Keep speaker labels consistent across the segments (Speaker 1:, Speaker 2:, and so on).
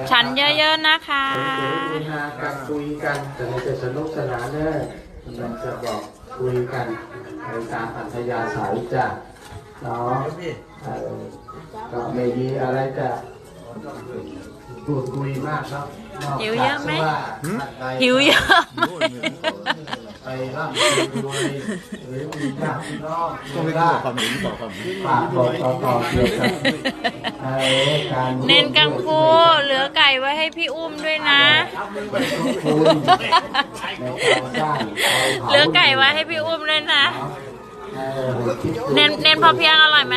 Speaker 1: ฉันเยอะๆนะคะ
Speaker 2: คุยกันคุยกันแต่ในจะสนุกสนานเนี่ยมันจะบอกคุยกันในตามอัธยาศัยจ้ะเนาะก็ไม่มีอะไรจะพูดคุยมากครับ
Speaker 1: หิวเยอะไหม
Speaker 2: หิ
Speaker 1: หิวเยอะ
Speaker 2: ไปร่ำรวยหรือมีญาติพี่น้อง
Speaker 3: ต้องไป
Speaker 2: ได้
Speaker 3: บอกความเห็นบอกความเห็น
Speaker 2: ฝากบอกต่อเกี่ยวกับการ
Speaker 1: เน้นกังฟูเหลือไก่ไว้ให้พี่อุ้มด้วยนะ เหลือไก่ไว้ให้พี่อุ้มด้วยนะ เน้นพอเพียงอร่อยไหม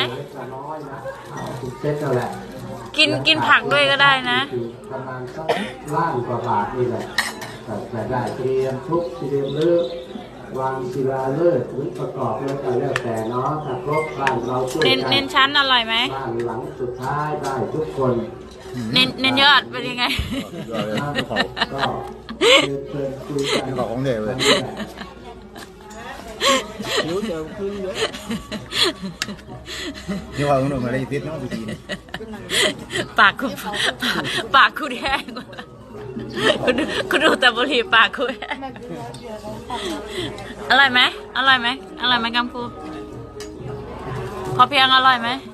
Speaker 1: กินผักด้วยก็ได้นะ
Speaker 2: ประมาณสัก1,000,000 กว่าบาทนี่แหละแต่ได้เตรียมทุกเตรียมเลือกวางศิลาฤกษ์หรือประกอบแล้วก็แล้วแต่เนาะถ้าครบบ้านเราช่วยกัน
Speaker 1: เน้นชั้นอร่อยไหม
Speaker 2: บ้านหลังสุดท้ายได้ทุกคน
Speaker 1: เน้นยอดเป็นยังไง
Speaker 2: ก็เชิญคุยกัน
Speaker 3: บอกของเด็กเลยนี่ว่าคุณหนุ่มอะไรติดเนาะดูดีนะ
Speaker 1: ปากคุณแห้งหมดแล้วคุณดูแต่บุหรี่ปากคุณแห้งอร่อยไหมกัมพูพอเพียงอร่อยไหม